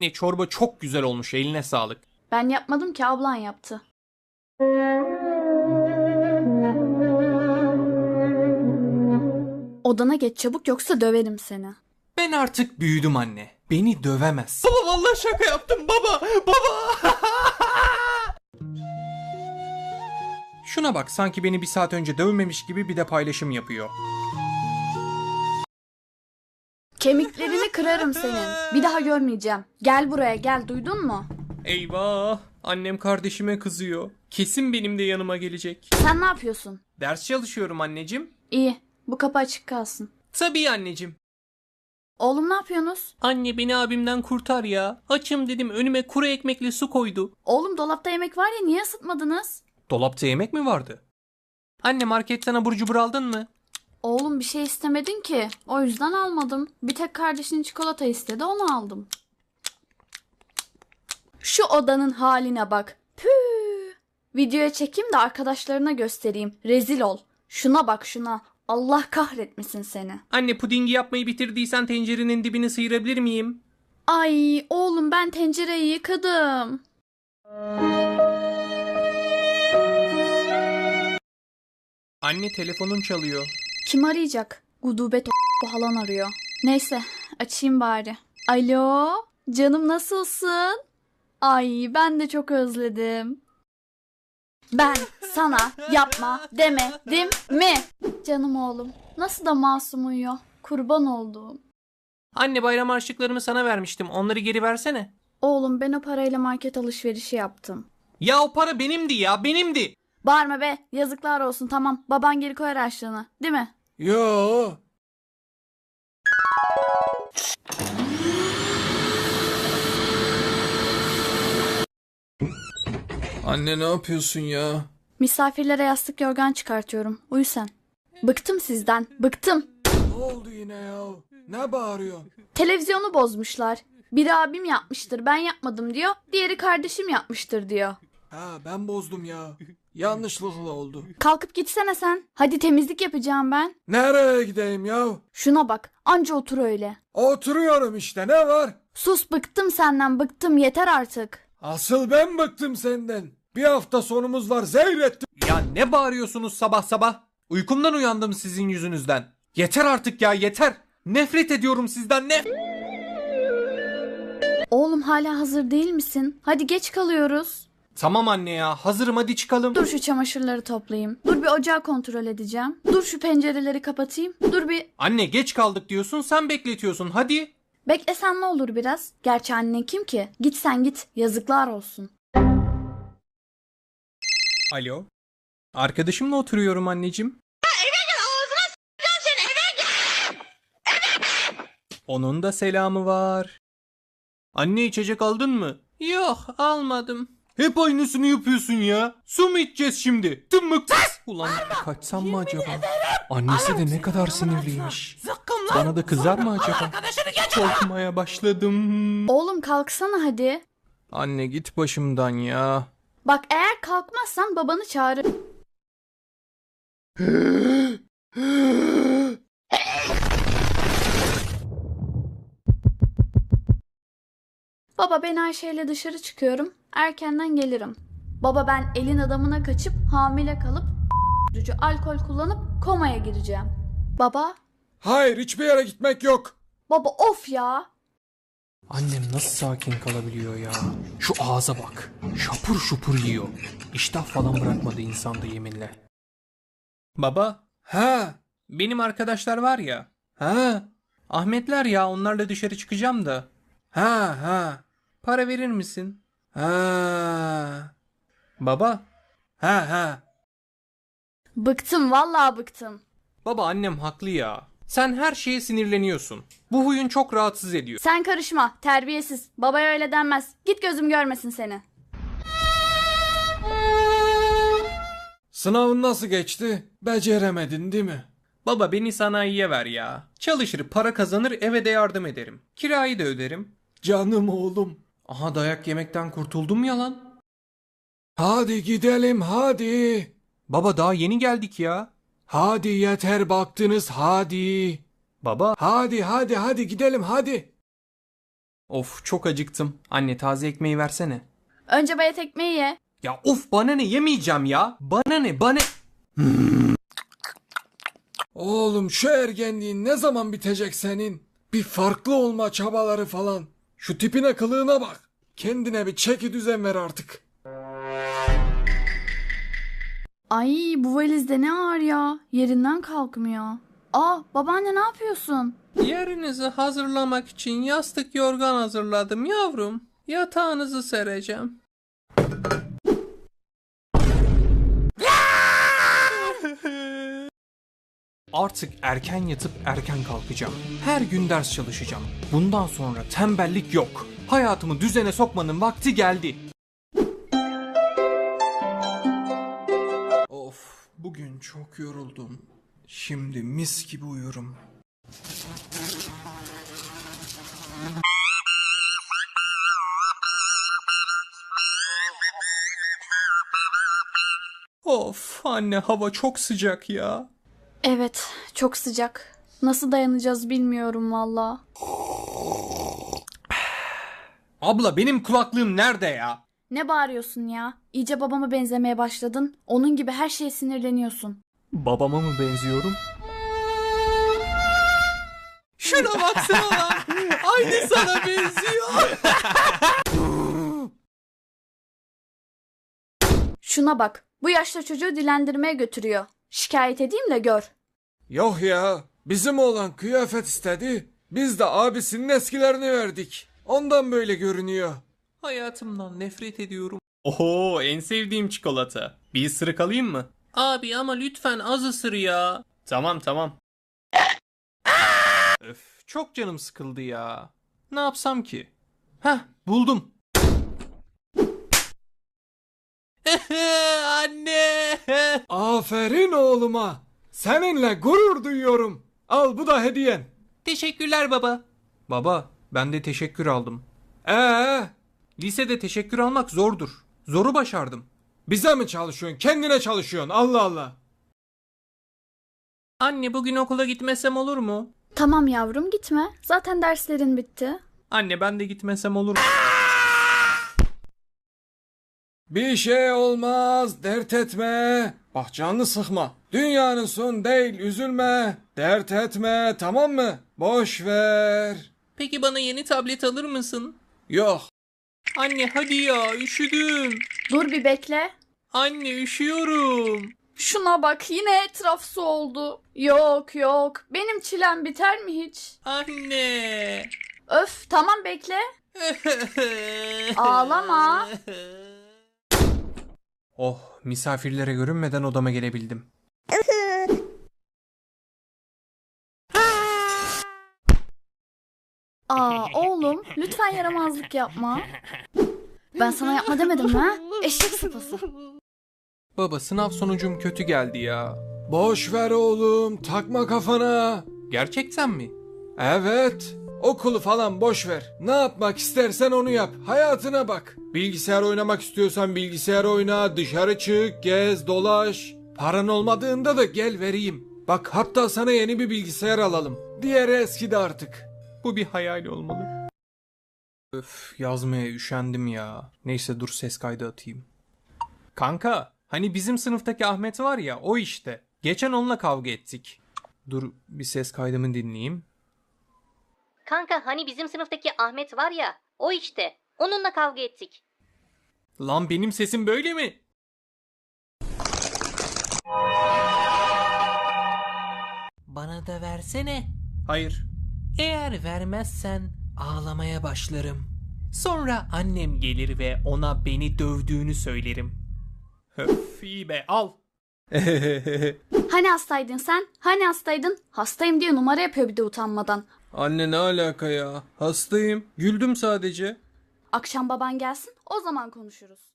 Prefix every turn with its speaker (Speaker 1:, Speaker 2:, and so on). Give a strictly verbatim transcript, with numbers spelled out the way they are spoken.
Speaker 1: Ne çorba çok güzel olmuş, eline sağlık.
Speaker 2: Ben yapmadım ki, ablan yaptı. Odana geç çabuk yoksa döverim seni.
Speaker 1: Ben artık büyüdüm anne. Beni dövemez. Baba vallahi şaka yaptım baba. Baba. Şuna bak, sanki beni bir saat önce dövmemiş gibi bir de paylaşım yapıyor.
Speaker 2: Kemiklerini kırarım senin. Bir daha görmeyeceğim. Gel buraya gel, duydun mu?
Speaker 1: Eyvah. Annem kardeşime kızıyor. Kesin benim de yanıma gelecek.
Speaker 2: Sen ne yapıyorsun?
Speaker 1: Ders çalışıyorum anneciğim.
Speaker 2: İyi, bu kapı açık kalsın.
Speaker 1: Tabii anneciğim.
Speaker 2: Oğlum ne yapıyorsunuz?
Speaker 1: Anne beni abimden kurtar ya. Açım dedim, önüme kuru ekmekle su koydu.
Speaker 2: Oğlum dolapta yemek var ya, niye ısıtmadınız?
Speaker 1: Dolapta yemek mi vardı? Anne marketten abur cubur aldın mı?
Speaker 2: Oğlum bir şey istemedin ki. O yüzden almadım. Bir tek kardeşin çikolata istedi, onu aldım. Şu odanın haline bak. Püh. Videoya çekeyim de arkadaşlarına göstereyim. Rezil ol. Şuna bak şuna. Allah kahretmesin seni.
Speaker 1: Anne pudingi yapmayı bitirdiysen tencerenin dibini sıyırabilir miyim?
Speaker 2: Ay oğlum, ben tencereyi yıkadım.
Speaker 1: Anne telefonun çalıyor.
Speaker 2: Kim arayacak? Gudubet o halan arıyor. Neyse açayım bari. Alo canım, nasılsın? Ay ben de çok özledim. Ben sana yapma demedim mi? Canım oğlum, nasıl da masum uyuyor. Kurban olduğum.
Speaker 1: Anne bayram harçlıklarımı sana vermiştim. Onları geri versene.
Speaker 2: Oğlum ben o parayla market alışverişi yaptım.
Speaker 1: Ya o para benimdi ya, benimdi.
Speaker 2: Bağırma be, yazıklar olsun, tamam. Baban geri koyar harçlığını, değil mi?
Speaker 3: Yo. Anne ne yapıyorsun ya?
Speaker 2: Misafirlere yastık yorgan çıkartıyorum. Uyu sen. Bıktım sizden, bıktım.
Speaker 3: Ne oldu yine ya? Ne bağırıyorsun?
Speaker 2: Televizyonu bozmuşlar. Biri abim yapmıştır, ben yapmadım diyor. Diğeri kardeşim yapmıştır diyor.
Speaker 3: Ha ben bozdum ya. Yanlışlıkla oldu.
Speaker 2: Kalkıp gitsene sen. Hadi temizlik yapacağım ben.
Speaker 3: Nereye gideyim ya?
Speaker 2: Şuna bak, anca otur öyle.
Speaker 3: Oturuyorum işte, ne var?
Speaker 2: Sus, bıktım senden, bıktım, yeter artık.
Speaker 3: Asıl ben bıktım senden. Bir hafta sonumuz var, zehrettim.
Speaker 1: Ya ne bağırıyorsunuz sabah sabah? Uykumdan uyandım sizin yüzünüzden. Yeter artık ya, yeter. Nefret ediyorum sizden, ne?
Speaker 2: Oğlum hala hazır değil misin? Hadi geç kalıyoruz.
Speaker 1: Tamam anne ya, hazırım, hadi çıkalım.
Speaker 2: Dur şu çamaşırları toplayayım. Dur bir ocağı kontrol edeceğim. Dur şu pencereleri kapatayım. Dur bir...
Speaker 1: Anne geç kaldık diyorsun, sen bekletiyorsun, hadi.
Speaker 2: Beklesen ne olur biraz? Gerçi annen kim ki? Git sen git. Yazıklar olsun.
Speaker 1: Alo. Arkadaşımla oturuyorum anneciğim. Onun da selamı var. Anne içecek aldın mı? Yok almadım. Hep aynısını yapıyorsun ya. Su mu içeceğiz şimdi? Tımık. Ulan kaçsam mı acaba? Annesi de ne kadar sinirliymiş. Bana da kızar mı acaba? Korkmaya başladım.
Speaker 2: Oğlum kalksana hadi.
Speaker 1: Anne git başımdan ya.
Speaker 2: Bak eğer kalkmazsan babanı çağırır. Baba ben Ayşe ile dışarı çıkıyorum. Erkenden gelirim. Baba ben elin adamına kaçıp hamile kalıp alkol kullanıp komaya gireceğim. Baba.
Speaker 3: Hayır, hiçbir yere gitmek yok.
Speaker 2: Baba of ya.
Speaker 1: Annem nasıl sakin kalabiliyor ya? Şu ağza bak. Şapur şupur yiyor. İştah falan bırakmadı insanda yeminle. Baba,
Speaker 3: Ha,
Speaker 1: benim arkadaşlar var ya.
Speaker 3: ha,
Speaker 1: Ahmetler ya, onlarla dışarı çıkacağım da.
Speaker 3: ha, ha,
Speaker 1: Para verir misin?
Speaker 3: ha,
Speaker 1: Baba.
Speaker 3: ha, ha.
Speaker 2: Bıktım vallahi bıktım.
Speaker 1: Baba annem haklı ya. Sen her şeye sinirleniyorsun. Bu huyun çok rahatsız ediyor.
Speaker 2: Sen karışma, terbiyesiz. Babaya öyle denmez. Git gözüm görmesin seni.
Speaker 3: Sınavın nasıl geçti? Beceremedin değil mi?
Speaker 1: Baba beni sanayiye ver ya. Çalışır, para kazanır, eve de yardım ederim. Kirayı da öderim.
Speaker 3: Canım oğlum.
Speaker 1: Aha dayak yemekten kurtuldum ya lan.
Speaker 3: Hadi gidelim hadi.
Speaker 1: Baba daha yeni geldik ya.
Speaker 3: Hadi yeter baktınız hadi.
Speaker 1: Baba.
Speaker 3: Hadi hadi hadi gidelim hadi.
Speaker 1: Of çok acıktım. Anne taze ekmeği versene.
Speaker 2: Önce bayat ekmeği ye.
Speaker 1: Ya of bana ne yemeyeceğim ya. Bana ne bana...
Speaker 3: Oğlum şu ergenliğin ne zaman bitecek senin? Bir farklı olma çabaları falan. Şu tipine kılığına bak. Kendine bir çeki düzen ver artık.
Speaker 2: Ay bu valizde ne ağır ya. Yerinden kalkmıyor. Aa babaanne ne yapıyorsun?
Speaker 1: Yerinizi hazırlamak için yastık yorgan hazırladım yavrum. Yatağınızı sereceğim. Artık erken yatıp erken kalkacağım. Her gün ders çalışacağım. Bundan sonra tembellik yok. Hayatımı düzene sokmanın vakti geldi. Of, bugün çok yoruldum. Şimdi mis gibi uyurum. Of anne hava çok sıcak ya.
Speaker 2: Evet çok sıcak. Nasıl dayanacağız bilmiyorum valla.
Speaker 1: Abla benim kulaklığım nerede ya?
Speaker 2: Ne bağırıyorsun ya? İyice babama benzemeye başladın. Onun gibi her şeye sinirleniyorsun.
Speaker 1: Babama mı benziyorum? Şuna baksana lan. Aynı sana benziyor.
Speaker 2: Şuna bak. Bu yaşta çocuğu dilendirmeye götürüyor. Şikayet edeyim de gör.
Speaker 3: Yok ya. Bizim oğlan kıyafet istedi. Biz de abisinin eskilerini verdik. Ondan böyle görünüyor.
Speaker 1: Hayatımdan nefret ediyorum. Oho en sevdiğim çikolata. Bir ısırık alayım mı? Abi ama lütfen az ısır ya. Tamam tamam. Öf çok canım sıkıldı ya. Ne yapsam ki? Heh buldum. Anne.
Speaker 3: Aferin oğluma. Seninle gurur duyuyorum. Al bu da hediyen.
Speaker 1: Teşekkürler baba. Baba ben de teşekkür aldım.
Speaker 3: Ee,
Speaker 1: Lisede teşekkür almak zordur. Zoru başardım.
Speaker 3: bize mi çalışıyorsun? Kendine çalışıyorsun. Allah Allah.
Speaker 1: Anne bugün okula gitmesem olur mu?
Speaker 2: Tamam yavrum gitme. Zaten derslerin bitti.
Speaker 1: Anne ben de gitmesem olur mu?
Speaker 3: Bir şey olmaz, dert etme. Bak canını sıkma. Dünyanın sonu değil, üzülme. Dert etme, tamam mı? Boş ver.
Speaker 1: Peki bana yeni tablet alır mısın?
Speaker 3: Yok.
Speaker 1: Anne hadi ya üşüdüm.
Speaker 2: Dur bir bekle.
Speaker 1: Anne üşüyorum.
Speaker 2: Şuna bak yine etraf su oldu. Yok yok. Benim çilem biter mi hiç?
Speaker 1: Anne.
Speaker 2: Öf tamam bekle. Ağlama.
Speaker 1: Oh misafirlere görünmeden odama gelebildim.
Speaker 2: Aa oğlum lütfen yaramazlık yapma. Ben sana yapma demedim mi ha? Eşek sıpası.
Speaker 1: Baba sınav sonucum kötü geldi ya.
Speaker 3: Boş ver oğlum, takma kafana.
Speaker 1: Gerçekten mi?
Speaker 3: Evet. Okulu falan boş ver. Ne yapmak istersen onu yap. Hayatına bak. Bilgisayar oynamak istiyorsan bilgisayar oyna, dışarı çık, gez, dolaş. Paran olmadığında da gel vereyim. Bak hatta sana yeni bir bilgisayar alalım. Diğeri eskidi artık.
Speaker 1: Bu bir hayal olmalı. Öf yazmaya üşendim ya. Neyse dur ses kaydı atayım. Kanka hani bizim sınıftaki Ahmet var ya o işte. Geçen onunla kavga ettik. Dur bir ses kaydımı dinleyeyim.
Speaker 4: Kanka hani bizim sınıftaki Ahmet var ya, o işte. Onunla kavga ettik.
Speaker 1: Lan benim sesim böyle mi?
Speaker 5: Bana da versene.
Speaker 1: Hayır.
Speaker 5: Eğer vermezsen ağlamaya başlarım.
Speaker 1: Sonra annem gelir ve ona beni dövdüğünü söylerim. Höf iyi be al.
Speaker 2: Hani hastaydın sen? Hani hastaydın? Hastayım diye numara yapıyor bir de utanmadan.
Speaker 1: Anne ne alaka ya? Hastayım. Güldüm sadece.
Speaker 2: Akşam baban gelsin o zaman konuşuruz.